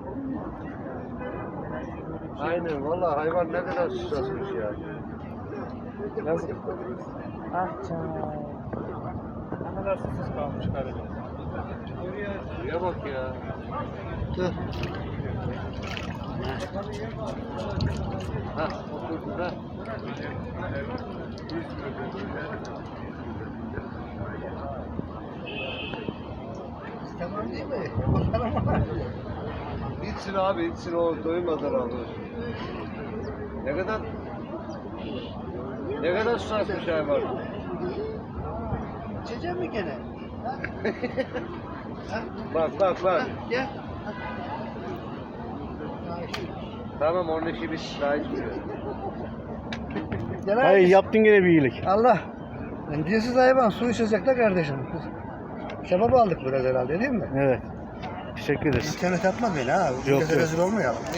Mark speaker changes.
Speaker 1: Aynen vallahi hayvan ne kadar susasmış ya.
Speaker 2: Yazık. Ah canım. Ne kadar susuz kalmış karıcığım.
Speaker 1: Şuraya bak ya. Dur. Ha, oturdu da.
Speaker 3: Tamam değil mi?
Speaker 1: İçsin abi, içsin o doymadan abi. Ne kadar susasmış hayvan.
Speaker 3: İçecek mi gene?
Speaker 1: Bak bak bak.
Speaker 3: Gel.
Speaker 1: Tamam onun işi bitti daha içmiyor.
Speaker 3: Gel
Speaker 2: Hayır
Speaker 3: abi.
Speaker 2: yaptın gene bir iyilik.
Speaker 3: Allah. Cinsiz hayvan su içecek de kardeşim. Şebap aldık biraz herhalde değil mi?
Speaker 2: Evet. Teşekkür ederiz.
Speaker 3: İnternet atma beni ha.
Speaker 2: Yok,
Speaker 3: Millete
Speaker 2: yok.
Speaker 3: rezil olmayalım.